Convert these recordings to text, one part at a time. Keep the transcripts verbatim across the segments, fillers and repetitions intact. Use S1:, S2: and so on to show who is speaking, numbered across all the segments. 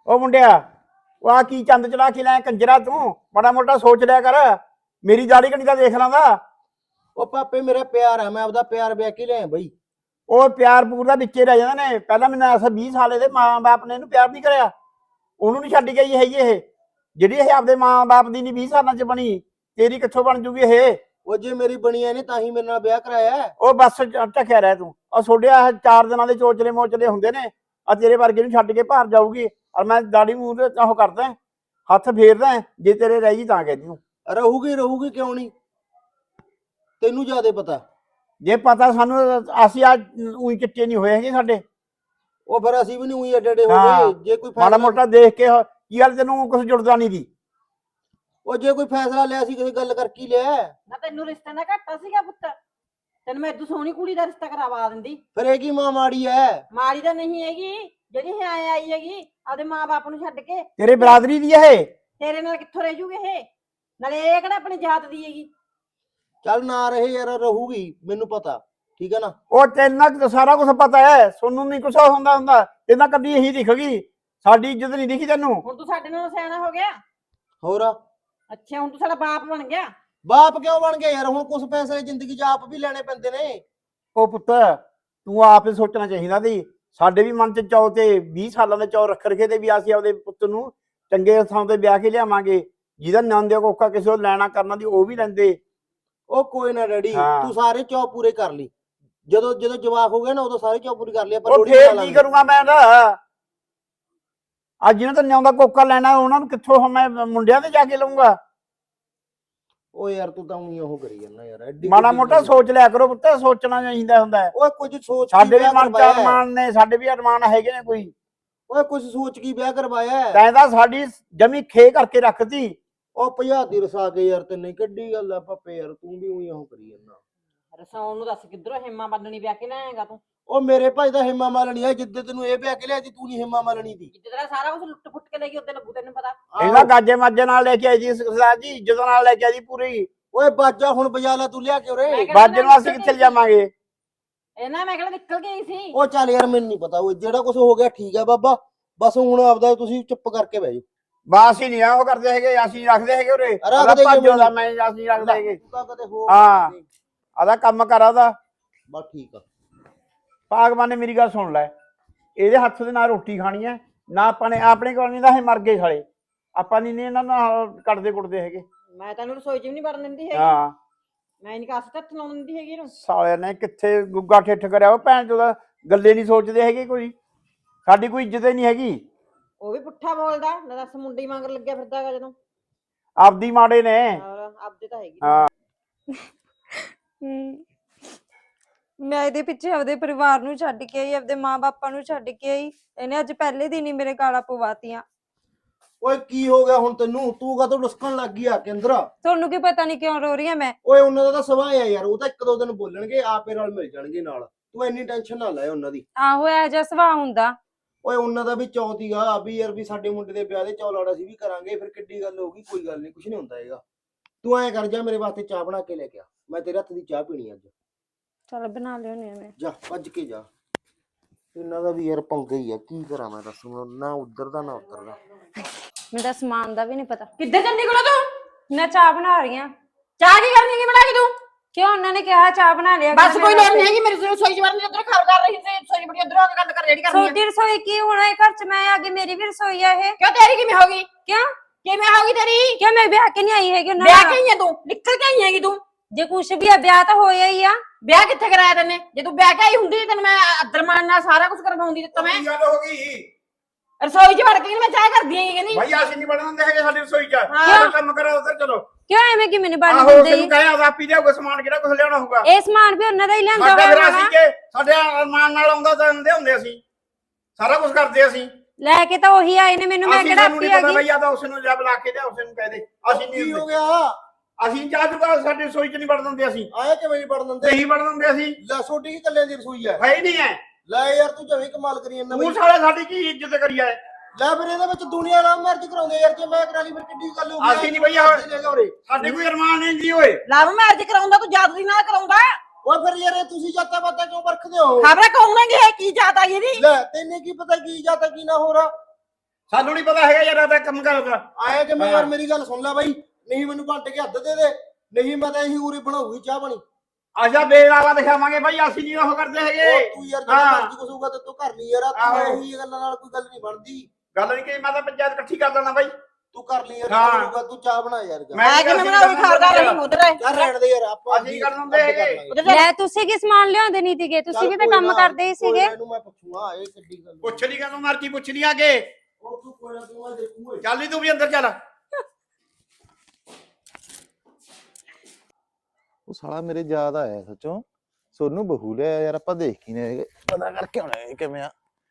S1: ਉਹ ਮੁੰਡਿਆ, ਉਹ ਆ ਕੀ ਚੰਦ ਚੜਾ ਕੇ ਲੈ ਕੰਜਰਾ ਤੂੰ? ਮਾੜਾ ਮੋਟਾ ਸੋਚ ਲਿਆ ਕਰ। ਮੇਰੀ ਦਾੜੀ ਕਣੀ ਤਾਂ ਦੇਖ ਲਾਂਦਾ।
S2: ਉਹ ਪਾਪੇ ਮੇਰਾ ਪਿਆਰ ਹੈ, ਮੈਂ ਆਪਦਾ ਪਿਆਰ ਵਿਆਹ ਕੇ ਲਿਆ ਬਈ।
S1: ਉਹ ਪਿਆਰ ਪੂਰ ਦਾ ਵਿੱਚੇ ਰਹਿ ਜਾਂਦੇ ਨੇ। ਪਹਿਲਾਂ ਮੈਨੂੰ ਐਸਾ ਵੀਹ ਸਾਲ ਇਹਦੇ ਮਾਂ ਬਾਪ ਨੇ ਇਹਨੂੰ ਪਿਆਰ ਨਹੀਂ ਕਰਿਆ, ਉਹਨੂੰ ਨਹੀਂ ਛੱਡ ਗਈ ਹੈਗੀ ਇਹ। ਜਿਹੜੀ ਇਹ ਆਪਦੇ ਮਾਂ ਬਾਪ ਦੀ ਨਹੀਂ ਵੀਹ ਸਾਲਾਂ ਚ ਬਣੀ, ਤੇਰੀ ਕਿੱਥੋਂ ਬਣ ਜੂਗੀ ਇਹ?
S2: ਉਹ ਜੇ ਮੇਰੀ ਬਣੀ ਨੇ ਤਾਂ ਹੀ ਮੇਰੇ ਨਾਲ ਵਿਆਹ ਕਰਾਇਆ।
S1: ਉਹ ਬਸ ਢੱਕਿਆ ਰਹਿ ਤੂੰ। ਉਹ ਛੋੜਿਆ ਚਾਰ ਦਿਨਾਂ ਦੇ ਚੋਚਲੇ ਮੋਚਲੇ ਹੁੰਦੇ ਨੇ, ਆ ਤੇਰੇ ਵਰਗੇ ਨੂੰ ਛੱਡ ਕੇ ਭਾਰ ਜਾਊਗੀ। ਔਰ ਮੈਂ ਦਾੜੀ ਮੂੰਹ ਤੇ ਉਹ ਕਰਦਾ, ਹੱਥ ਫੇਰਦਾ, ਜੇ ਤੇਰੇ ਰਹਿ ਗਈ ਤਾਂ ਕਹਿੰਦੀ ਹੂੰ।
S2: ਰਹੂਗੀ ਰਹੂਗੀ ਕਿਉਂ ਨਹੀਂ, ਤੈਨੂੰ ਜ਼ਿਆਦਾ ਪਤਾ।
S1: ਜੇ ਪਤਾ ਸਾਨੂੰ, ਅਸੀਂ ਅੱਜ ਉਹੀ ਚਿੱਟੇ ਨਹੀਂ ਹੋਏ ਹੈਗੇ ਸਾਡੇ।
S2: ਉਹ ਫਿਰ ਅਸੀਂ ਵੀ ਨਹੀਂ ਉਹੀ ਏਡੇ ਏਡੇ ਹੋ ਗਏ। ਜੇ ਕੋਈ
S1: ਮਾੜਾ ਮੋਟਾ ਦੇਖ ਕੇ ਕੀ ਗੱਲ, ਤੈਨੂੰ ਕੁਝ ਜੁੜਦਾ ਨਹੀਂ ਦੀ।
S2: ਉਹ ਜੇ ਕੋਈ ਫੈਸਲਾ ਲਿਆ ਸੀ ਕਿਸੇ ਗੱਲ ਕਰਕੇ ਲਿਆ
S3: ਨਾ। ਤੈਨੂੰ ਰਿਸ਼ਤੇ ਦਾ ਘਾਟਾ ਸੀਗਾ ਪੁੱਤ? ਤੈਨੂੰ ਮੈਂ ਇਦੋਂ ਸੋਹਣੀ ਕੁੜੀ ਦਾ ਰਿਸ਼ਤਾ ਕਰਵਾ ਦਿੰਦੀ।
S2: ਫਿਰ ਇਹ ਕੀ ਮਾਂ ਮਾੜੀ ਐ?
S3: ਮਾੜੀ ਤਾਂ ਨਹੀਂ ਹੈਗੀ, ਜਿਹੜੀ ਇਹ ਆਏ ਆਈ ਹੈਗੀ ਆਪਦੇ ਮਾਂ ਬਾਪ ਨੂੰ ਛੱਡ ਕੇ।
S1: ਤੇਰੇ ਬਰਾਦਰੀ ਦੀ ਇਹ?
S3: ਤੇਰੇ ਨਾਲ ਕਿੱਥੋਂ ਰਹਿ ਜੂਗੇ ਇਹ? ਨਾਲੇ ਇਹ ਕਿਹੜਾ ਆਪਣੀ ਜਾਤ ਦੀ ਹੈਗੀ।
S2: ਚੱਲ ਨਾ ਰਹੇ ਯਾਰ, ਰਹੂਗੀ ਮੈਨੂੰ ਪਤਾ, ਠੀਕ ਹੈ ਨਾ।
S1: ਉਹ ਤੈਨੂੰ ਸਾਰਾ ਕੁਝ ਪਤਾ ਹੈ, ਸੋਨੂੰ ਨਹੀਂ ਕੁਛ ਹੁੰਦਾ ਹੁੰਦਾ। ਤੈਨੂੰ ਕਦੀ ਇਹੀ ਦਿਖ ਗਈ, ਸਾਡੀ ਇੱਜ਼ਤ ਨਹੀਂ ਦਿਖੀ ਤੈਨੂੰ।
S3: ਹੁਣ ਤੂੰ ਸਾਡੇ ਨਾਲ ਸਿਆਣਾ ਹੋ ਗਿਆ।
S2: ਹੋਰ
S3: ਅੱਛਾ, ਹੁਣ ਤੂੰ ਸਾਡਾ ਬਾਪ ਬਣ ਗਿਆ।
S2: ਬਾਪ ਕਿਉਂ ਬਣ ਗਿਆ ਯਾਰ? ਹੁਣ ਕੁਝ ਫੈਸਲੇ ਜ਼ਿੰਦਗੀ 'ਚ ਆਪ ਵੀ ਲੈਣੇ ਪੈਂਦੇ ਨੇ।
S1: ਉਹ ਪੁੱਤ, ਤੂੰ ਆਪ ਹੀ ਸੋਚਣਾ ਚਾਹੀਦਾ ਸੀ। ਸਾਡੇ ਵੀ ਮਨ 'ਚ ਚਾਅ ਤੇ ਵੀਹ ਸਾਲਾਂ ਦੇ ਚਾਅ ਰੱਖ ਰਖੇ ਤੇ ਵੀ ਅਸੀਂ ਆਪਦੇ ਪੁੱਤ ਨੂੰ ਚੰਗੇ ਥਾਂ ਤੇ ਵਿਆਹ ਕੇ ਲਿਆਵਾਂਗੇ, ਜਿਹਦਾ ਨਾਂ ਦੇ ਕੋਕਾ ਕਿਸੇ ਨੂੰ ਲੈਣਾ ਕਰਨਾ ਦੀ ਉਹ ਵੀ ਲੈਂਦੇ।
S2: ਉਹ ਕੋਈ ਨਾ ਡੈਡੀ, ਤੂੰ ਸਾਰੇ ਚਾਅ ਪੂਰੇ ਕਰ ਲਈ। ਜਦੋਂ ਜਦੋਂ ਜਵਾਕ ਹੋ ਗਿਆ ਨਾ, ਉਦੋਂ ਸਾਰੇ ਚਾਅ ਪੂਰੇ ਕਰ ਲਿਆ। ਪਰ
S1: ਉਹ ਫੇਰ ਕੀ ਕਰੂੰਗਾ ਮੈਂ ਤਾਂ? ਅੱਜ ਜਿਹਨਾਂ ਤਾਂ ਨਿਆਉਂਦਾ ਕੋਕਾ ਲੈਣਾ, ਉਹਨਾਂ ਨੂੰ ਕਿੱਥੋਂ ਮੈਂ ਮੁੰਡਿਆਂ ਤੇ ਜਾ ਕੇ ਲਊਂਗਾ?
S2: ਉਹ ਯਾਰ ਤੂੰ ਤਾਂ ਉਹੀ ਉਹ ਕਰੀ ਜਾਂਦਾ ਯਾਰ। ਐਡੀ
S1: ਮਾੜਾ ਮੋਟਾ ਸੋਚ ਲਿਆ ਕਰੋ ਪੁੱਤ, ਸੋਚਣਾ ਚਾਹੀਦਾ ਹੁੰਦਾ।
S2: ਓਏ ਕੁਝ ਸੋਚ
S1: ਸਾਡੇ ਵੀ ਮਨ 'ਚ ਅਰਮਾਨ ਨੇ, ਸਾਡੇ ਵੀ ਅਰਮਾਨ ਹੈਗੇ ਨੇ ਕੋਈ।
S2: ਓਏ ਕੁਝ ਸੋਚ ਕੀ ਵਿਆਹ ਕਰਵਾਇਆ?
S1: ਤੈਂ ਤਾਂ ਸਾਡੀ ਜਮੀ ਖੇ ਕਰਕੇ ਰੱਖਤੀ।
S2: ਉਹ ਪੰਜਾਹ ਦੀ ਰਸਾ ਕੇ ਯਾਰ, ਤੈਨੂੰ ਕਿੱਡੀ ਗੱਲ ਆ ਪਾਪੇ ਯਾਰ, ਤੂੰ ਵੀ ਉਹੀ ਉਹ ਕਰੀ ਜਾਂਦਾ।
S3: ਰਸਾਉਣ ਨੂੰ ਦੱਸ ਕਿੱਧਰੋਂ ਹਿੰਮਾ ਬੰਨਣੀ ਵਿਆਹ ਕੇ ਲਿਆਏਗਾ ਤੂੰ?
S2: ਉਹ ਮੇਰੇ ਭਾਈ ਦਾ ਹਿੰਮਾ ਮਾਲਣੀ ਹੈ। ਜਿੱਦੇ ਤੈਨੂੰ ਇਹ ਵਿਆਹ ਕੇ ਲਿਆ ਸੀ, ਤੂੰ ਨਹੀਂ ਹਿੰਮਾ ਮਾਲਣੀ ਦੀ।
S3: ਜਿੱਦ ਤੇਰਾ ਸਾਰਾ ਕੁਝ ਲੁੱਟ ਫੁੱਟ ਕੇ ਲੈ ਗਈ ਉੱਤੇ ਲੱਗੂ ਤੈਨੂੰ ਪਤਾ।
S1: ਇਹਨਾਂ ਗਾਜੇ ਮਾਜੇ ਨਾਲ ਲੈ ਕੇ ਆਈ ਜੀ ਸਰਦਾਰ ਜੀ, ਜਦੋਂ ਨਾਲ ਲੈ ਕੇ ਆਈ ਪੂਰੀ।
S2: ਓਏ ਬਾਜਾ ਹੁਣ ਬਜਾ ਲਾ ਤੂੰ ਲਿਆ ਕੇ ਉਰੇ।
S1: ਬਾਜੇ ਨੂੰ ਅਸੀਂ ਕਿੱਥੇ ਜਾਵਾਂਗੇ?
S3: ਇਹਨਾਂ ਮੈਂ ਕਿਹੜਾ ਨਿਕਲ ਗਈ ਸੀ।
S2: ਉਹ ਚੱਲ ਯਾਰ, ਮੈਨੂੰ ਨਹੀਂ ਪਤਾ। ਉਹ ਜਿਹੜਾ ਕੁਝ ਹੋ ਗਿਆ ਠੀਕ ਹੈ ਬਾਬਾ, ਬਸ ਹੁਣ ਆਪਦਾ ਤੁਸੀਂ ਚੁੱਪ ਕਰਕੇ ਬਹਿ ਜਾਓ।
S1: ਬਸ ਹੀ ਨਹੀਂ ਉਹ ਕਰਦੇ ਹੈਗੇ, ਅਸੀਂ ਰੱਖਦੇ ਹੈਗੇ ਉਰੇ।
S2: ਰੱਖਦੇ
S1: ਭੱਜੋ ਮੈਂ ਅਸੀਂ ਰੱਖਦੇ ਹੈਗੇ।
S2: ਤੂੰ ਤਾਂ ਕਦੇ ਹੋ
S1: ਹਾਂ, ਆਦਾ ਕੰਮ ਕਰ ਆਦਾ।
S2: ਬਸ ਠੀਕ ਆ।
S1: ਭਗਵਾਨ ਨੇ ਮੇਰੀ ਗੱਲ ਸੁਣ ਲੈ, ਇਹਦੇ ਹੱਥ ਦੇ ਨਾਲ ਰੋਟੀ ਖਾਣੀ ਹੈ ਨਾ। ਆਪਾਂ ਨੇ ਆਪਣੇ ਕੋਲ ਨਹੀਂ ਤਾਂ ਇਹ ਮਰ ਗਏ ਸਾਲੇ। ਆਪਾਂ ਨਹੀਂ ਇਹਨਾਂ ਨਾਲ ਕੱਢਦੇ ਕੁੱਟਦੇ ਹੈਗੇ।
S3: ਮੈਂ ਤੈਨੂੰ ਰਸੋਈ 'ਚ ਵੀ ਨਹੀਂ ਵੜਨ ਦਿੰਦੀ ਹੈਗੀ।
S1: ਹਾਂ,
S3: ਮੈਂ ਨਹੀਂ ਕਾਸ ਹੱਥ ਲਾਉਣ ਦਿੰਦੀ ਹੈਗੀ ਇਹਨੂੰ।
S1: ਸਾਲਿਆਂ ਨੇ ਕਿੱਥੇ ਗੁੱਗਾ ਠਿੱਠ ਕਰਿਆ। ਉਹ ਭੈਣ ਚੋਦਾ ਗੱਲੇ ਨਹੀਂ ਸੋਚਦੇ ਹੈਗੇ ਕੋਈ। ਸਾਡੀ ਕੋਈ ਇੱਜ਼ਤ ਹੀ ਨਹੀਂ ਹੈਗੀ।
S3: ਉਹ ਵੀ ਪੁੱਠਾ ਬੋਲਦਾ ਨਾ। ਦੱਸ ਮੁੰਡੀ ਮੰਗਰ ਲੱਗਿਆ ਫਿਰਦਾ ਹੈਗਾ ਜਦੋਂ।
S1: ਆਪਦੀ ਮਾੜੇ ਨੇ।
S3: ਆਪਦੇ ਤਾਂ ਹੈਗੀ।
S1: ਹਾਂ,
S4: ਮੈਂ ਇਹਦੇ ਪਿੱਛੇ ਆਪਦੇ ਪਰਿਵਾਰ ਨੂੰ ਛੱਡ ਕੇ ਆਈ, ਆਪਦੇ ਮਾਂ ਬਾਪਾਂ ਨੂੰ ਛੱਡ ਕੇ ਆਈ। ਇਹਨੇ ਅੱਜ ਪਹਿਲੇ ਦਿਨ ਹੀ ਮੇਰੇ ਗਾਲਾਂ ਪਵਾਤੀਆਂ।
S2: ਓਏ ਕੀ ਹੋ ਗਿਆ ਹੁਣ ਤੈਨੂੰ? ਤੂੰ ਕਦੋਂ ਡੁਸਕਣ ਲੱਗ ਗਈ ਆ ਕੇ ਅੰਦਰ?
S4: ਤੁਹਾਨੂੰ ਕੀ ਪਤਾ ਨਹੀਂ ਕਿਉਂ ਰੋ ਰਹੀ ਆ ਮੈਂ?
S2: ਓਏ ਉਹਨਾਂ ਦਾ ਤਾਂ ਸੁਭਾਅ ਆ ਯਾਰ, ਉਹ ਤਾਂ ਇੱਕ ਦੋ ਦਿਨ ਬੋਲਣਗੇ, ਆਪੇ ਨਾਲ ਮਿਲ ਜਾਣਗੇ ਨਾਲ। ਤੂੰ ਇੰਨੀ ਟੈਨਸ਼ਨ ਨਾ ਲੈ ਉਹਨਾਂ ਦੀ।
S4: ਆਹੋ, ਇਹੋ ਜਿਹਾ ਸੁਭਾਅ ਹੁੰਦਾ।
S2: ਓਏ ਉਹਨਾਂ ਦਾ ਵੀ ਚੌਥ ਹੀਗਾ ਵੀ ਯਾਰ, ਵੀ ਸਾਡੇ ਮੁੰਡੇ ਦੇ ਵਿਆਹ ਦੇ ਚੌ ਲਾੜਾ ਸੀ ਵੀ ਕਰਾਂਗੇ। ਫਿਰ ਕਿੱਡੀ ਗੱਲ ਹੋਊਗੀ? ਕੋਈ ਗੱਲ ਨਹੀਂ, ਕੁਝ ਨਹੀਂ ਹੁੰਦਾ ਹੈਗਾ। ਤੂੰ ਐਂ ਕਰ, ਜਾ ਮੇਰੇ ਵਾਸਤੇ ਚਾਹ ਬਣਾ ਕੇ ਲੈ ਕੇ ਆ। ਮੈਂ ਤੇਰੇ ਹੱਥ ਦੀ ਚਾਹ ਪੀਣੀ ਅੱਜ।
S4: ਚਲ ਬਣਾ ਲਿਓਨੇ ਆ ਮੈਂ।
S2: ਜਾ ਭੱਜ ਕੇ ਜਾ। ਇਹਨਾਂ ਦਾ ਵੀ ਯਾਰ ਪੰਗਾ ਹੀ ਆ, ਕੀ ਕਰਾਂ ਮੈਂ ਦੱਸ। ਨਾ ਉਧਰ ਦਾ ਨਾ ਉਧਰ ਦਾ।
S4: ਮੈਨੂੰ ਤਾਂ ਸਮਾਨ ਦਾ ਵੀ ਨਹੀਂ ਪਤਾ।
S3: ਕਿੱਧਰ ਚੱਲੀ ਕੋਲ ਤੂੰ?
S4: ਮੈਂ ਚਾਹ ਬਣਾ ਰਹੀ ਆ।
S3: ਚਾਹ ਕੀ ਕਰਨੀ ਕੀ ਬਣਾ ਕੇ ਤੂੰ?
S4: ਕਿਉਂ ਉਹਨਾਂ ਨੇ ਕਿਹਾ ਚਾਹ ਬਣਾ ਲਿਆ?
S3: ਬਸ ਕੋਈ ਲੋੜ ਨਹੀਂ ਹੈਗੀ। ਮੇਰੀ ਰਸੋਈ 'ਚ ਵੜਨ ਦੀ। ਉੱਧਰ ਖਬਰ ਕਰ ਰਹੀ ਸੀ, ਰਸੋਈ ਬੜੀ ਉੱਧਰ ਆ ਕੇ ਗੱਲ ਕਰ ਜਿਹੜੀ ਕਰਨੀ ਹੈ।
S4: ਤੁਹਾਡੀ ਰਸੋਈ ਕੀ ਹੋਣਾ? ਇਹ ਘਰ 'ਚ ਮੈਂ ਆ ਗਈ, ਮੇਰੀ ਵੀ ਰਸੋਈ ਆ ਇਹ।
S3: ਕਿਉਂ ਤੇਰੀ ਕਿਵੇਂ ਹੋ ਗਈ?
S4: ਕਿਉਂ
S3: ਕਿਵੇਂ ਹੋ ਗਈ ਤੇਰੀ?
S4: ਕਿਉਂ ਮੈਂ ਵਿਆਹ ਕੇ ਨਹੀਂ ਆਈ ਹੈਗੀ ਉਹਨਾਂ
S3: ਵਿਆਹ
S4: ਨਾਲ?
S3: ਕੇ ਆਈ ਹੈ ਤੂੰ? ਨਿਕਲ ਕੇ ਆਈ ਹੈਗੀ ਤੂੰ?
S4: ਜੇ ਕੁਛ ਵੀ ਆ, ਵਿਆਹ ਤਾਂ ਹੋਇਆ ਹੀ ਆ।
S3: ਵਿਆਹ ਕਿੱਥੇ ਕਰਾਇਆ ਤੈਨੇ? ਜੇ ਤੂੰ ਵਿਆਹ ਕੇ ਆਈ ਹੁੰਦੀ ਤੈਨੂੰ ਮੈਂ ਅਦਰਮਾਨ ਨਾਲ ਸਾਰਾ ਕੁਝ ਕਰਵਾਉਂਦੀ ਦਿੱਤਾ। ਮੈਂ
S1: ਗੱਲ ਹੋ ਗਈ
S3: ਰਸੋਈ 'ਚ ਵੜ ਕੇ ਮੈਂ ਚਾਹ ਕਰਦੀ ਆਂ ਕਹਿੰਦੀ।
S1: ਭਾਈ ਅਸੀਂ ਨਹੀਂ ਬਣਨ ਦਿੰਦੇ ਹੈਗੇ ਸਾਡੀ ਰਸੋਈ 'ਚ।
S3: ਹਾਂ।
S1: ਕੰਮ ਕਰਾ ਉਧਰ ਚਲੋ।
S4: ਕਿਉਂ ਐਵੇਂ ਕਿ ਮੈਨੂੰ ਬਣ
S1: ਆਹੋ,
S4: ਦਿੰਦੇ?
S1: ਤੈਨੂੰ ਕਹਿਆ ਆਪ ਹੀ ਲਿਆਓਗੇ ਸਮਾਨ, ਕਿਹੜਾ ਕੁਝ ਲਿਆਉਣਾ ਹੋਊਗਾ।
S4: ਇਹ ਸਮਾਨ ਵੀ ਉਹਨਾਂ ਦਾ ਹੀ ਲਿਆਂਦਾ
S1: ਸਾਡਾ ਫਿਰ
S4: ਹੋਇਆ
S1: ਅਸੀਂ ਕਿ ਸਾਡੇ ਅਰਮਾਨ ਨਾਲ ਆਉਂਦਾ ਤਾਂ ਆਉਂਦੇ ਹੁੰਦੇ ਅਸੀਂ। ਸਾਰਾ ਕੁਝ ਕਰਦੇ ਅਸੀਂ।
S4: ਲੈ ਕੇ ਤਾਂ ਉਹੀ ਆਏ ਨੇ ਮੈਨੂੰ। ਮੈਂ ਕਿਹੜਾ ਆਪੀ ਆ ਗਈ?
S1: ਭਈਆ ਤਾਂ ਉਸ ਨੂੰ ਜਾ ਬੁਲਾ ਕੇ ਲਿਆ, ਉਸ ਨੂੰ ਕਹਿ ਦੇ ਅਸੀਂ ਨਹੀਂ।
S2: ਕੀ ਹੋ ਗਿਆ?
S1: ਅਸੀਂ ਚਾਹ ਚੁਕਾ ਸਾਡੀ ਰਸੋਈ 'ਚ ਨਹੀਂ ਵੜਨ ਦਿੰਦੇ ਅਸੀਂ।
S2: ਆਇਆ ਕਿਵੇਂ ਨਹੀਂ ਪੜਨ ਦਿੰਦੇ?
S1: ਨਹੀਂ ਵੜਨ ਦਿੰਦੇ ਅਸੀਂ।
S2: ਲੈ ਛੋਟੀ ਕੀ ਕੱਲਿਆਂ ਦੀ ਰਸੋਈ ਹੈ?
S1: ਹੈ ਹੀ ਨਹੀਂ ਹੈ।
S2: ਲੈ ਯਾਰ ਤੂੰ ਜਵੇਂ ਕਮਾਲ ਕਰੀ ਜਾਂਦਾ
S1: ਤੂੰ
S2: ਬਈ।
S1: ਸਾਲੇ ਸਾਡੀ ਕੀ ਇੱਜ਼ਤ ਕਰੀ ਹੈ?
S2: ਲੈ ਫਿਰ ਇਹਦੇ ਵਿੱਚ ਦੁਨੀਆ ਨਾਲ ਮੈਰਿਜ ਕਰਾਉਂਦੇ ਯਾਰ। ਜੇ ਮੈਂ ਕਰਾ ਲਈ ਫਿਰ ਕਿੱਡੀ ਗੱਲ ਹੋ ਗਈ?
S1: ਅਸੀਂ ਨਹੀਂ ਭਈਆ, ਸਾਡੇ ਕੋਈ ਅਰਮਾਨ ਨਹੀਂ ਜੀ। ਓਏ
S3: ਲਵ ਮੈਰਿਜ ਕਰਾਉਂਦਾ ਤੂੰ ਜਾਤ ਦੀ ਨਾਲ ਕਰਾਉਂਦਾ।
S2: ਓਏ ਫਿਰ ਯਾਰ ਇਹ ਤੁਸੀਂ ਜਾਤਾਂ ਬਾਤਾਂ ਕਿਉਂ ਵਰਖਦੇ ਹੋ?
S3: ਖਬਰਾਂ ਕਹੂੰਗੇ ਇਹ ਕੀ ਜਾਤ ਆ ਇਹਦੀ?
S2: ਲੈ ਤੈਨੂੰ ਕੀ ਪਤਾ ਕੀ ਜਾਤਾਂ ਕੀ ਨਾ ਹੋ ਰਹਾ?
S1: ਸਾਨੂੰ ਨਹੀਂ ਪਤਾ ਹੈਗਾ ਯਾਰ ਇਹਦਾ ਕੰਮ ਕਰਦਾ।
S2: ਆਇਆ ਕਿ ਮੈਂ
S1: ਹਾਂ।
S2: ਯਾਰ ਮੇਰੀ ਗੱਲ ਸੁਣ ਲੈ ਬਾਈ, ਨਹੀਂ ਮੈਨੂੰ ਘੰਟੇ ਕੇ ਹੱਦ ਦੇ ਦੇ, ਨਹੀਂ ਮੈਂ ਤਾਂ ਇਹੀ ਉਰੇ ਬਣਾਉਗੀ ਚਾਹ ਪਾਣੀ।
S1: ਅੱਛਾ ਬੇਲ ਵਾਲਾ ਦਿਖਾਵਾਂਗੇ ਬਾਈ, ਅਸੀਂ ਨਹੀਂ ਉਹ ਕਰਦੇ ਹੈਗੇ।
S2: ਉਹ ਤੂੰ ਯਾਰ ਜਿਹੜਾ
S1: ਹਾਂ।
S2: ਮਰਜ਼ੀ ਕੁਛ ਹੋਊਗਾ ਤੇ ਤੂੰ ਕਰ ਲਈ ਯਾਰ, ਤੂੰ
S1: ਆਹੋ।
S2: ਇਹੀ ਗੱਲਾਂ ਨਾਲ ਕੋਈ ਗੱਲ ਨਹੀਂ ਬਣਦੀ।
S1: ਗੱਲ ਨਹੀਂ ਕਿ ਮੈਂ ਤਾਂ ਪੰਚਾਇਤ ਇਕੱਠੀ ਕਰ ਦਿੰਦਾ ਬਾਈ।
S2: ਤੂੰ ਕਰ ਲਈ ਯਾਰ,
S1: ਹਾਂ।
S2: ਜਿਹੜਾ ਹੋਊਗਾ ਤੂੰ ਚਾਹ ਬਣਾ ਯਾਰ ਜਾ।
S1: ਮੈਂ
S3: ਮੈਂ ਕਿਵੇਂ ਬਣਾਉਂ ਖਾਰਦਾਰ ਨਹੀਂ ਉਧਰ ਹੈ
S2: ਯਾਰ ਰਹਿਣ ਦੇ ਯਾਰ, ਆਪਾਂ
S1: ਅਸੀਂ ਕਰ ਦਿੰਦੇ ਹੈਗੇ।
S4: ਲੈ ਤੁਸੀਂ ਕੀ ਸਮਾਨ ਲਿਆਉਂਦੇ ਨਹੀਂ ਸੀਗੇ, ਤੁਸੀਂ ਵੀ ਤਾਂ ਕੰਮ ਕਰਦੇ ਹੀ ਸੀਗੇ।
S2: ਇਹਨੂੰ ਮੈਂ ਪੁੱਛੂਗਾ ਇਹ ਕਿੱਡੀ ਗੱਲ।
S1: ਪੁੱਛ ਲਈ ਕਦੋਂ ਮਰਜੀ ਪੁੱਛ ਲਈ ਆ ਕੇ।
S2: ਉਹ ਤੂੰ ਕੋਈ ਨਾ ਤੂੰ ਆ ਦੇਖੂਗਾ।
S1: ਚੱਲ ਨੀ ਤੂੰ ਵੀ ਅੰਦਰ ਚੱਲ।
S5: ਉਹ ਸਾਲਾ ਮੇਰੇ ਯਾਦ ਆਇਆ ਸੱਚੋਂ, ਸੋਨੂੰ ਬਹੂ ਲਿਆ ਯਾਰ, ਆਪਾਂ ਦੇਖ ਕੀ ਨੇ ਪਤਾ ਕਰਕੇ ਆਉਣਾ ਇਹ ਕਿਵੇਂ ਆ।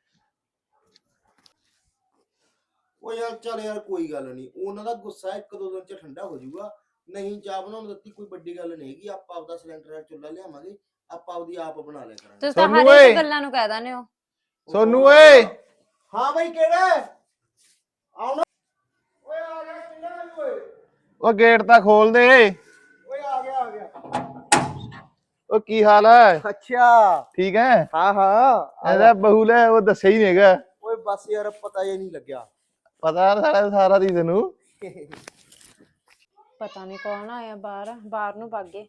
S2: ਉਹ ਯਾਰ ਚੱਲ ਯਾਰ ਕੋਈ ਗੱਲ ਨਹੀਂ, ਉਹਨਾਂ ਦਾ ਗੁੱਸਾ ਇੱਕ ਦੋ ਦਿਨ ਚ ਠੰਡਾ ਹੋ ਜਾਊਗਾ। ਨਹੀਂ ਚਾਹ ਬਣਾਉਣ ਦਿੱਤੀ ਕੋਈ ਵੱਡੀ ਗੱਲ ਨਹੀਂ ਹੈਗੀ, ਆਪਾਂ ਆਪਦਾ ਸਿਲੰਡਰ ਨਾਲ ਚੁੱਲ੍ਹਾ ਲਿਆਵਾਂਗੇ, ਆਪਾਂ ਆਪਦੀ ਆਪ ਬਣਾ ਲਿਆ ਕਰਾਂਗੇ।
S4: ਤੁਸੀਂ ਤਾਂ
S5: ਸੋਨੂੰ
S4: ਹਰ
S5: ਓਏ।
S4: ਇੱਕ ਗੱਲਾਂ ਨੂੰ ਕਹਿ ਦਿੰਦੇ ਹੋ।
S5: ਸੋਨੂੰ ਓਏ।
S2: ਹਾਂ ਬਾਈ ਕਿਹੜਾ ਆਉਣਾ? ਓਏ ਆ ਗਿਆ ਕਿਹੜਾ ਓਏ?
S5: ਉਹ ਗੇਟ ਤਾਂ ਖੋਲ ਦੇ।
S2: ਓਏ ਆ ਗਿਆ ਆ ਗਿਆ।
S5: ਉਹ ਕੀ ਹਾਲ ਹੈ?
S2: ਅੱਛਾ
S5: ਠੀਕ ਹੈ?
S2: ਹਾਂ ਹਾਂ
S5: ਇਹਦਾ ਬਹੂ ਲੈ ਉਹ ਦੱਸਿਆ ਹੀ ਨਹੀਂ ਹੈਗਾ।
S2: ਓਏ ਬਸ ਯਾਰ ਪਤਾ ਹੀ ਨਹੀਂ ਲੱਗਿਆ।
S5: ਪਤਾ ਸਾਰਾ ਸਾਰਾ ਦੀ ਤੈਨੂੰ।
S4: ਪਤਾ ਨਹੀਂ ਕੌਣ ਆਇਆ ਬਾਹਰ, ਬਾਹਰ ਨੂੰ ਭਾਗੇ।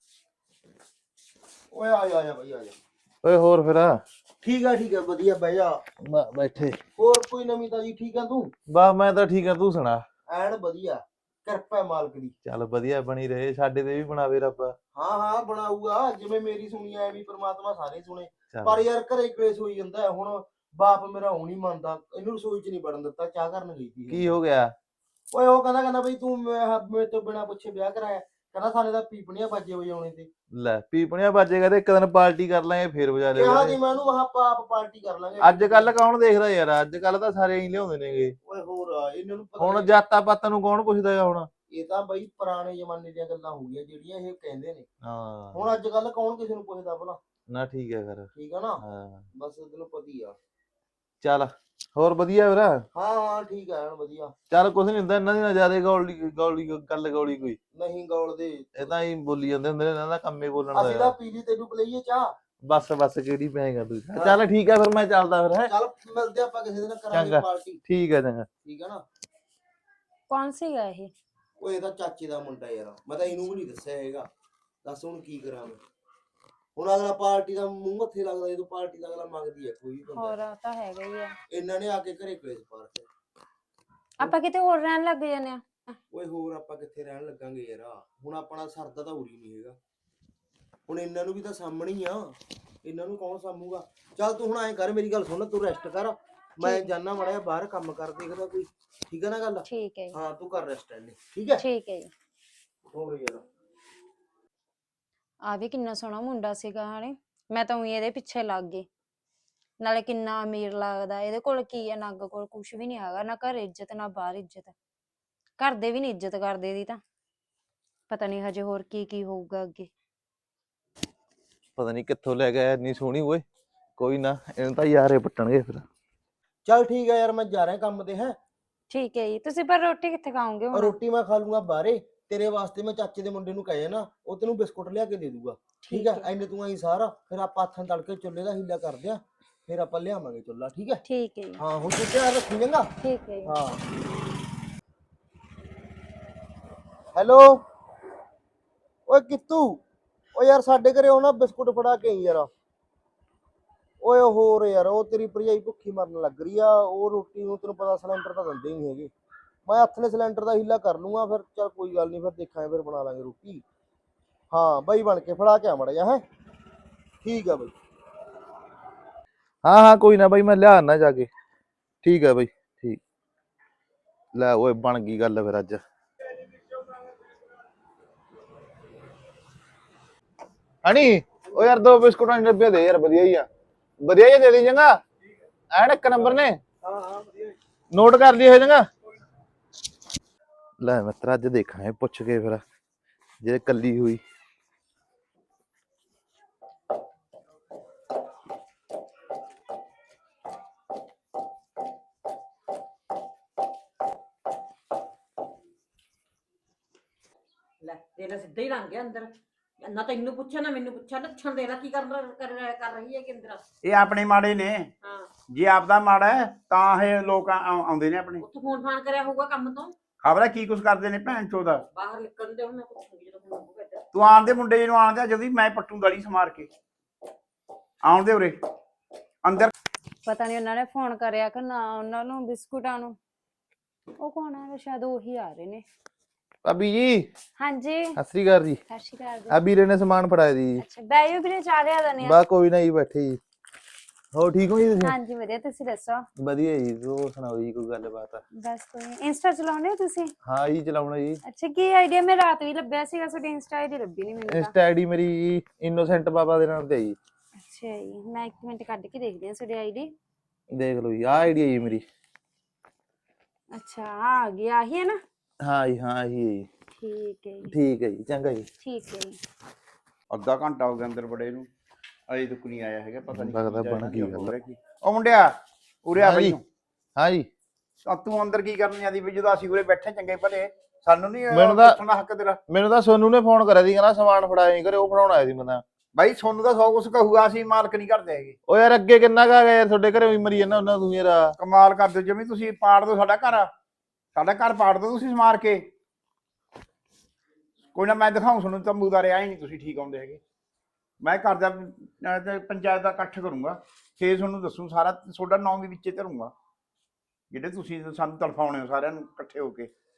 S2: ਓਏ ਆ ਜਾ ਆ ਜਾ ਬਾਈ ਆ ਜਾ।
S5: ਓਏ ਹੋਰ ਫਿਰ
S2: ਠੀਕ ਆ ਠੀਕ ਆ ਵਧੀਆ ਬਹਿ ਜਾ।
S5: ਬਾ- ਬੈਠੇ।
S2: ਹੋਰ ਕੋਈ ਨਵੀਂ ਤਾਜੀ? ਠੀਕ ਆ ਤੂੰ?
S5: ਬਾ ਮੈਂ ਤਾਂ ਠੀਕ ਆ, ਤੂੰ ਸੁਣਾ।
S2: ਐਨ ਵਧੀਆ, ਕਿਰਪਾ ਹੈ ਮਾਲਕ ਦੀ।
S5: ਚੱਲ ਵਧੀਆ ਬਣੀ ਰਹੇ, ਸਾਡੇ ਤੇ ਵੀ ਬਣਾਵੇ ਰੱਬ।
S2: ਹਾਂ ਹਾਂ ਬਣਾਊਗਾ, ਜਿਵੇਂ ਮੇਰੀ ਸੁਣੀ ਐ ਵੀ ਪ੍ਰਮਾਤਮਾ ਸਾਰੇ ਸੁਣੇ।
S5: ਚੱਲ।
S2: ਪਰ ਯਾਰ ਘਰੇ ਕਲੇਸ਼ ਹੋਈ ਜਾਂਦਾ ਹੈ। ਹੁਣ ਬਾਪ ਮੇਰਾ ਹੁਣ ਹੀ ਮੰਨਦਾ, ਇਹਨੂੰ ਰਸੋਈ ਚ ਨਹੀਂ ਵੜਨ ਦਿੱਤਾ, ਚਾਹ ਕਰਨ ਗਈ ਸੀ।
S5: ਕੀ ਹੋ ਗਿਆ?
S2: ਓਏ ਉਹ ਕਹਿੰਦਾ ਕਹਿੰਦਾ ਬਈ ਤੂੰ ਮੈਂ- ਮੇਰੇ ਤੋਂ ਬਿਨਾ ਪੁੱਛੇ ਵਿਆਹ ਕਰਾਇਆ, ਕਹਿੰਦਾ ਸਾਡੇ ਤਾਂ ਪੀਪਣੀਆਂ ਬਾਜੇ ਵਜਾਉਣੇ ਤੇ।
S5: ਲੈ ਪੀਪਣੀਆਂ ਵੱਜੇਗਾ ਤੇ ਇੱਕ ਦਿਨ ਪਾਰਟੀ ਕਰ ਲਾਂਗੇ, ਫੇਰ ਵਜਾ
S2: ਕਿਹਾ
S5: ਲਿਆ
S2: ਦੀ ਮੈਂ ਉਹਨੂੰ ਮਹਾ ਆਪ ਪਾਰਟੀ ਕਰ ਲਾਂਗੇ।
S5: ਅੱਜ ਕੱਲ ਕੌਣ ਦੇਖਦਾ ਯਾਰ, ਅੱਜ ਕੱਲ ਤਾਂ ਸਾਰੇ ਹੀ ਲਿਆਉਂਦੇ ਨੇਗੇ।
S2: ਓਏ ਹੋਰ ਆ, ਇਹਨਾਂ ਨੂੰ ਪਤਾ
S5: ਹੁਣ
S2: ਨਹੀਂ-
S5: ਜਾਤਾਂ ਪਾਤਾਂ ਨੂੰ ਕੌਣ ਪੁੱਛਦਾ ਹੈਗਾ ਹੁਣ।
S2: ਇਹ ਤਾਂ ਬਈ ਪੁਰਾਣੇ ਜ਼ਮਾਨੇ ਦੀਆਂ ਗੱਲਾਂ ਹੋ ਗਈਆਂ ਜਿਹੜੀਆਂ ਇਹ ਕਹਿੰਦੇ ਨੇ।
S5: ਹਾਂ
S2: ਹੁਣ ਅੱਜ ਕੱਲ ਕੌਣ ਕਿਸੇ ਨੂੰ ਪੁੱਛਦਾ ਭਲਾ?
S5: ਨਾ ਠੀਕ ਹੈ ਫਿਰ।
S2: ਠੀਕ ਆ ਨਾ,
S5: ਹਾਂ
S2: ਬਸ ਤੈਨੂੰ ਪਤਾ ਹੀ ਆ।
S5: ਚੱਲ ਹੋਰ ਵਧੀਆ ਵੀਰ।
S2: ਹਾਂ ਹਾਂ ਠੀਕ ਆ ਐਨ ਵਧੀਆ।
S5: ਚੱਲ ਕੁਛ ਨਹੀਂ ਹੁੰਦਾ, ਇਹਨਾਂ ਦੀ ਨਾ ਜ਼ਿਆਦਾ ਗੌਲੀ ਗੌਲੀ ਗੱਲ ਗੌਲੀ ਕੋਈ।
S2: ਨਹੀਂ ਗੌਲ ਦੇ,
S5: ਇਹ ਤਾਂ ਹੀ ਬੋਲੀ ਜਾਂਦੇ ਹੁੰਦੇ ਨੇ, ਇਹਨਾਂ ਦਾ ਕੰਮੇ ਬੋਲਣ
S2: ਅਸੀਂ
S5: ਦਾ।
S2: ਤਾਂ ਪੀਲੀ ਤੈਨੂੰ ਪਲਈਏ ਚਾਹ।
S5: ਬਸ ਬਸ ਕਿਹੜੀ ਪੈਗਾ ਤੂੰ। ਚੱਲ ਠੀਕ ਹੈ ਫਿਰ, ਮੈਂ ਚੱਲਦਾ ਫਿਰ। ਹੈ
S2: ਚੱਲ ਮਿਲਦੇ ਆਪਾਂ ਕਿਸੇ ਦਿਨ, ਕਰਾਂਗੇ
S5: ਚੰਗਾ।
S2: ਪਾਰਟੀ।
S5: ਠੀਕ ਹੈ ਚੰਗਾ।
S2: ਠੀਕ ਆ ਨਾ।
S4: ਕੌਣ ਸੀਗਾ ਇਹ?
S2: ਉਹ ਇਹਦਾ ਚਾਚੇ ਦਾ ਮੁੰਡਾ ਯਾਰ, ਮੈਂ ਤਾਂ ਇਹਨੂੰ ਵੀ ਨਹੀਂ ਦੱਸਿਆ ਹੈਗਾ। ਦੱਸ ਹੁਣ ਕੀ ਕਰਾਂ ਮੈਂ? ਹੁਣ ਅਗਲਾ ਪਾਰਟੀ ਦਾ ਮੂੰਹ ਮੱਥੇ ਲੱਗਦਾ, ਜਦੋਂ ਪਾਰਟੀ ਦਾ ਅਗਲਾ ਮੰਗਦੀ ਹੈ ਕੋਈ ਵੀ
S4: ਹੋਰ
S2: ਬੰਦਾ।
S4: ਆ ਤਾਂ ਹੈਗਾ ਹੀ ਆ।
S2: ਇਹਨਾਂ ਨੇ ਆ ਕੇ ਘਰੇ ਕਲੇਸ਼ ਪਾ ਰੱਖਿਆ।
S4: ਆਪਾਂ ਕਿਤੇ ਹੋਰ ਰਹਿਣ ਲੱਗ ਜਾਂਦੇ ਆ।
S2: ਓਏ ਹੋਰ ਆਪਾਂ ਕਿੱਥੇ ਰਹਿਣ ਲੱਗਾਂਗੇ ਯਾਰ, ਹੁਣ ਆਪਣਾ ਸਰਦਾ ਤਾਂ ਉਰੀ ਨਹੀਂ ਹੈਗਾ। ਹੁਣ ਇਹਨਾਂ ਨੂੰ ਵੀ ਤਾਂ ਸਾਹਮਣੇ ਹੀ ਆ, ਇਹਨਾਂ ਨੂੰ ਕੌਣ ਸਾਂਭੂਗਾ? ਚੱਲ ਤੂੰ ਹੁਣ ਐਂ ਕਰ, ਮੇਰੀ ਗੱਲ ਸੁਣ, ਤੂੰ ਰੈਸਟ ਕਰ, ਮੈਂ ਜਾਣਾ ਮਾੜਾ ਜਿਹਾ ਬਾਹਰ ਕੰਮ ਕਰ ਦੇਖਦਾ ਕੋਈ। ਠੀਕ ਹੈ ਨਾ ਗੱਲ?
S4: ਠੀਕ ਹੈ ਜੀ।
S2: ਹਾਂ ਤੂੰ ਕਰ ਰੈਸਟ ਐਨੇ, ਠੀਕ ਹੈ?
S4: ਠੀਕ ਹੈ ਜੀ।
S2: ਹੋਰ ਯਾਰ
S4: ਆ ਵੀ ਕਿੰਨਾ ਸੋਹਣਾ ਮੁੰਡਾ ਸੀਗਾ ਹਣੇ, ਮੈਂ ਤਾਂ ਉਹੀ ਇਹਦੇ ਪਿੱਛੇ ਲੱਗ ਗਈ। ਨਾਲੇ ਕਿੰਨਾ ਅਮੀਰ ਲੱਗਦਾ, ਇਹਦੇ ਕੋਲ ਕੀ ਹੈ? ਨੱਗ ਕੋਲ ਕੁਛ ਵੀ ਨਹੀਂ ਹੈਗਾ, ਨਾ ਘਰ ਇੱਜ਼ਤ ਨਾ ਬਾਹਰ ਇੱਜ਼ਤ। ਘਰ ਦੇ ਵੀ ਨਹੀਂ ਇੱਜ਼ਤ ਕਰਦੇ ਇਹਦੀ ਤਾਂ। ਪਤਾ ਨਹੀਂ ਹਜੇ ਹੋਰ ਕੀ ਕੀ ਹੋਊਗਾ ਅੱਗੇ।
S5: ਪਤਾ ਨਹੀਂ ਕਿੱਥੋਂ ਲੈ ਗਿਆ ਇੰਨੀ ਸੋਹਣੀ ਓਏ। ਕੋਈ ਨਾ, ਇਹਨੂੰ ਤਾਂ ਯਾਰੇ ਪੱਟਣਗੇ ਫਿਰ।
S2: ਚੱਲ ਠੀਕ ਹੈ ਯਾਰ, ਮੈਂ ਜਾ ਰਿਹਾ ਕੰਮ ਤੇ। ਹੈ
S4: ਠੀਕ ਹੈ ਜੀ। ਤੁਸੀਂ ਪਰ ਰੋਟੀ ਕਿੱਥੇ ਖਾਓਗੇ ਹੁਣ?
S2: ਰੋਟੀ ਮੈਂ ਖਾ ਲੂੰਗਾ ਬਾਹਰੇ। ਤੇਰੇ ਵਾਸਤੇ ਮੈਂ ਚਾਚੇ ਦੇ ਮੁੰਡੇ ਨੂੰ ਕਹਿਆ ਨਾ, ਉਹ ਤੈਨੂੰ ਬਿਸਕੁਟ ਲਿਆ ਕੇ ਦੇ ਦੂਗਾ। ਠੀਕ ਹੈ? ਐਨੇ ਤੂੰ ਆਈ ਸਾਰਾ, ਫਿਰ ਆਪਾਂ ਹੱਥਾਂ ਤੜਕੇ ਚੁੱਲ੍ਹੇ ਦਾ ਹੀਲਾ ਕਰਦੇ ਆ, ਫਿਰ ਆਪਾਂ ਲਿਆਵਾਂਗੇ ਚੁੱਲ੍ਹਾ। ਠੀਕ ਹੈ?
S4: ਠੀਕ ਹੈ ਜੀ।
S2: ਹਾਂ ਹੁਣ ਤੂੰ ਧਿਆਨ ਰੱਖੀ ਚੰਗਾ।
S4: ਠੀਕ ਹੈ ਜੀ।
S2: ਹਾਂ ਹੈਲੋ ਓਏ ਕਿੱਤੂ, ਓ ਯਾਰ ਸਾਡੇ ਘਰੇ ਉਹ ਨਾ ਬਿਸਕੁਟ ਫੜਾ ਕੇ ਆਈ ਯਾਰ। ਓਏ ਹੋਰ ਯਾਰ, ਉਹ ਤੇਰੀ ਭਰਜਾਈ ਭੁੱਖੀ ਮਰਨ ਲੱਗ ਰਹੀ ਆ, ਉਹ ਰੋਟੀ ਨੂੰ ਤੈਨੂੰ ਪਤਾ ਸਿਲੰਡਰ ਤਾਂ ਦਿੰਦੇ ਹੀ ਨਹੀਂ ਹੈਗੇ। ਮੈਂ ਹੱਥ ਨੇ ਸਿਲੰਡਰ ਦਾ ਹੀਲਾ ਕਰ ਲੂੰਗਾ ਫਿਰ। ਚੱਲ ਕੋਈ ਗੱਲ ਨਹੀਂ, ਫਿਰ ਦੇਖਾਂਗੇ, ਫਿਰ ਬਣਾ ਲਾਂਗੇ ਰੋਟੀ। ਹਾਂ ਬਾਈ ਬਣ ਕੇ ਫੜਾ ਕੇ ਆ ਮੜਾ ਜਾ। ਹੈ ਠੀਕ ਆ ਬਾਈ।
S5: ਹਾਂ ਹਾਂ ਕੋਈ ਨਾ ਬਾਈ, ਮੈਂ ਲਿਆ ਆਣਾ ਜਾ ਕੇ। ਠੀਕ ਹੈ ਬਾਈ ਠੀਕ। ਲੈ ਓਏ ਬਣ ਗਈ ਗੱਲ ਫਿਰ ਅੱਜ। ਹਣੀ ਓ ਯਾਰ ਦੋ ਬਿਸਕੁਟਾਂ ਦੇ ਡੱਬੇ ਦੇ ਯਾਰ, ਵਧੀਆ ਹੀ ਆ। ਵਧੀਆ ਹੀ ਦੇ ਦੇ ਚੰਗਾ, ਐਨ ਇੱਕ ਨੰਬਰ ਨੇ।
S2: ਹਾਂ ਹਾਂ ਵਧੀਆ।
S5: ਨੋਟ ਕਰ ਲਈ ਇਹ ਚੰਗਾ। ਲੈ ਮਿੱਤਰ ਅੱਜ ਦੇਖਾਂਗੇ ਪੁੱਛ ਕੇ ਫਿਰ, ਜੇ ਕੱਲੀ ਹੋਈ।
S3: ਲੈ ਤੇਰਾ ਸਿੱਧਾ ਹੀ ਲੰਘ ਗਿਆ ਅੰਦਰ, ਨਾ ਤੈਨੂੰ ਪੁੱਛਿਆ ਨਾ ਮੈਨੂੰ ਪੁੱਛਿਆ। ਲੱਛਣ ਦੇ ਲੈ ਕੀ ਕਰ ਕਰ ਕਰ ਰਹੀ ਹੈ ਕਿ ਅੰਦਰ।
S1: ਇਹ ਆਪਣੇ ਮਾੜੇ ਨੇ,
S3: ਹਾਂ
S1: ਜੇ ਆਪਦਾ ਮਾੜਾ ਹੈ ਤਾਂ ਇਹ ਲੋਕ ਆ- ਆ- ਆਉਂਦੇ ਨੇ ਆਪਣੇ।
S3: ਉੱਥੇ ਫੋਨ ਫਾਨ ਕਰਿਆ ਹੋਊਗਾ ਕੰਮ ਤੋਂ,
S1: ਖਬਰ ਹੈ ਕੀ ਕੁਛ ਕਰਦੇ ਨੇ ਭੈਣ ਚੋਦਾ।
S3: ਬਾਹਰ ਨਿਕਲਣ ਦੇ ਹੁਣ ਮੈਂ ਪੁੱਛੂਗੀ ਜਦੋਂ ਫੋਨ ਹੋਊਗਾ ਇੱਧਰ।
S1: ਤੂੰ ਆਣ ਦੇ ਮੁੰਡੇ ਜਿਹਨੂੰ ਆਣ ਦੇ ਜਦੀ ਮੈਂ ਪੱਟੂ ਗਲੀ ਸਮਾਰ ਕੇ ਆਉਣ ਦੇ ਉਰੇ ਅੰਦਰ।
S4: ਪਤਾ ਨਹੀਂ ਉਹਨਾਂ ਨੇ ਫੋਨ ਕਰਿਆ ਕਿ ਨਾ ਉਹਨਾਂ ਨੂੰ ਬਿਸਕੁਟਾਂ ਨੂੰ। ਉਹ ਕੌਣ ਆ? ਸ਼ਾਇਦ ਉਹੀ ਆ ਰਹੇ ਨੇ।
S5: ਭਾਬੀ ਜੀ
S4: ਹਾਂਜੀ
S5: ਸਤਿ ਸ੍ਰੀ ਅਕਾਲ ਜੀ।
S4: ਸਤਿ ਸ਼੍ਰੀ ਅਕਾਲ ਜੀ।
S5: ਆ ਵੀਰੇ ਨੇ ਸਮਾਨ ਫੜਾਇਆ ਦੀ।
S4: ਅੱਛਾ ਬੈਜੋ ਵੀਰੇ, ਚਾਹ ਲਿਆ ਦਨੇ ਆ।
S5: ਬਾ ਕੋਈ ਨਾ ਜੀ, ਬੈਠੇ ਜੀ। ਹੋਰ ਠੀਕ ਹੋ ਜੀ ਤੁਸੀਂ?
S4: ਹਾਂਜੀ ਵਧੀਆ, ਤੁਸੀਂ ਦੱਸੋ?
S5: ਵਧੀਆ ਜੀ। ਹੋਰ ਸੁਣਾਓ ਜੀ, ਕੋਈ ਗੱਲਬਾਤ ਆ?
S4: ਬਸ ਕੋਈ ਨੀ। ਇੰਸਟਾ ਚਲਾਉਂਦੇ ਹੋ ਤੁਸੀਂ?
S5: ਹਾਂ ਜੀ ਚਲਾਉਣਾ ਜੀ।
S4: ਅੱਛਾ ਕੀ ਆਈਡੀਆ? ਮੈਂ ਰਾਤ ਵੀ ਲੱਭਿਆ ਸੀਗਾ, ਤੁਹਾਡੀ ਇੰਸਟਾ ਆਈਡੀ ਲੱਭੀ ਨਹੀਂ ਮੈਨੂੰ ਤਾਂ।
S5: ਇੰਸਟਾ ਆਈਡੀ ਮੇਰੀ ਇਨੋਸੈਂਟ ਬਾਬਾ ਦੇ ਨਾਮ ਤੇ ਹੈ ਜੀ।
S4: ਅੱਛਾ ਜੀ, ਮੈਂ ਇੱਕ ਮਿੰਟ ਕੱਢ ਕੇ ਦੇਖਦੀ ਹਾਂ ਤੁਹਾਡੀ ਆਈਡੀ।
S5: ਦੇਖ ਲਓ ਜੀ, ਆਹ ਆਈਡੀ ਹੈ ਜੀ ਮੇਰੀ।
S4: ਅੱਛਾ ਆ ਗਈ, ਆਹੀ ਹੈ ਨਾ?
S5: ਹਾਂ ਜੀ ਹਾਂ ਇਹੀ ਹੈ ਜੀ।
S4: ਠੀਕ ਹੈ ਜੀ,
S5: ਠੀਕ ਹੈ ਜੀ, ਚੰਗਾ ਜੀ।
S4: ਠੀਕ ਹੈ ਜੀ।
S1: ਅੱਧਾ ਘੰਟਾ ਹੋ ਗਿਆ ਅੰਦਰ ਬੜੇ ਨੂੰ, ਅਜੇ ਤੱਕ ਨਹੀਂ ਆਇਆ ਹੈਗਾ। ਪਤਾ ਨਹੀਂ
S5: ਲੱਗਦਾ ਬਣ ਗਈ ਗੱਲ।
S1: ਉਹ ਮੁੰਡਿਆ ਉਰੇ ਆ
S5: ਹਾਂ
S1: ਬਈ
S5: ਜੀ।
S1: ਤੂੰ।
S5: ਹਾਂ ਜੀ।
S1: ਤਾਂ ਤੂੰ ਅੰਦਰ ਕੀ ਕਰਨ ਜਾਂਦੀ ਵੀ ਜਦੋਂ ਅਸੀਂ ਉਰੇ ਬੈਠੇ ਚੰਗੇ ਭਲੇ? ਸਾਨੂੰ ਨਹੀਂ
S5: ਮੈਨੂੰ ਤਾਂ-
S1: ਪੁੱਛਣਾ ਹੱਕ ਤੇਰਾ।
S5: ਮੈਨੂੰ ਤਾਂ ਸੋਨੂ ਨੇ ਫੋਨ ਕਰਿਆ ਸੀ, ਕਹਿੰਦਾ ਸਮਾਨ ਫੜਾਇਆ ਨਹੀਂ ਕਰੇ, ਉਹ ਫੜਾਉਣ ਆਇਆ ਸੀ ਮੈਂ ਤਾਂ।
S1: ਬਾਈ ਸੋਨੂੰ ਤਾਂ ਸੌ ਕੁਛ ਕਹੂਗਾ, ਅਸੀਂ ਮਾਲਕ ਨਹੀਂ ਕਰਦੇ ਹੈਗੇ।
S5: ਉਹ ਯਾਰ ਅੱਗੇ ਕਿੰਨਾ ਕਾ ਗਿਆ ਯਾਰ, ਤੁਹਾਡੇ ਘਰੇ ਵੀ ਮਰੀ ਜਾਂਦਾ ਉਹਨਾਂ ਤੂੰ ਯਾਰ।
S1: ਕਮਾਲ ਕਰਦੇ ਹੋ, ਜਿਵੇਂ ਤੁਸੀਂ ਪਾੜ ਦੋ ਸਾਡਾ ਘਰ। ਸਾਡਾ ਘਰ ਪਾੜ ਦੋ ਤੁਸੀਂ ਸਮਾਰ ਕੇ। ਕੋਈ ਨਾ ਮੈਂ ਦਿਖਾਉਂ ਤੁਹਾਨੂੰ ਤੰਬੂ ਦਾ ਰਿਹਾ ਹੀ ਨਹੀਂ ਤੁਸੀਂ ਠੀਕ ਆਉਂਦੇ ਹੈਗੇ। ਮੈਂ ਘਰ ਦਾ ਅਹ, ਤੇ ਪੰਚਾਇਤ ਦਾ ਇਕੱਠ ਕਰੂੰਗਾ, ਫੇਰ ਤੁਹਾਨੂੰ ਦੱਸੂ ਸਾਰਾ। ਤੁਹਾਡਾ ਨਾਂ ਵੀ ਵਿੱਚੇ ਧਰੂੰਗਾ, ਜਿਹੜੇ ਤੁਸੀਂ ਸਾਨੂੰ ਤੜਫਾਉਣੇ ਹੋ ਸਾਰਿਆਂ ਨੂੰ ਇਕੱਠੇ ਹੋ ਕੇ।